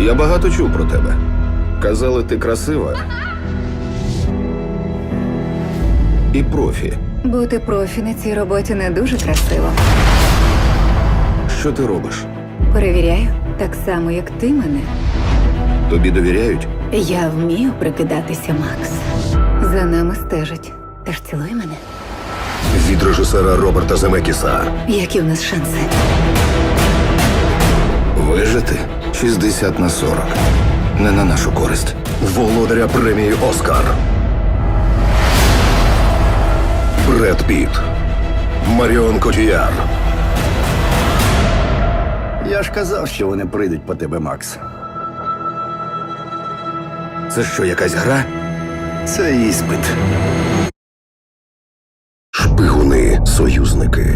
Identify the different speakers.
Speaker 1: Я багато чув про тебе. Казали, ти красива. І профі.
Speaker 2: Бути профі на цій роботі не дуже красиво.
Speaker 1: Що ти робиш?
Speaker 2: Перевіряю, так само, як ти мене.
Speaker 1: Тобі довіряють?
Speaker 2: Я вмію прикидатися, Макс. За нами стежать. Тож цілуй мене.
Speaker 3: Від режисера Роберта Земекіса.
Speaker 2: Які в нас шанси?
Speaker 1: Вижити 60/40. Не на нашу користь.
Speaker 3: Володаря премії «Оскар». Бред Піт. Маріон Котіяр.
Speaker 4: Я ж казав, що вони прийдуть по тебе, Макс.
Speaker 1: Це що, якась гра?
Speaker 4: Це іспит.
Speaker 3: Шпигуни, союзники.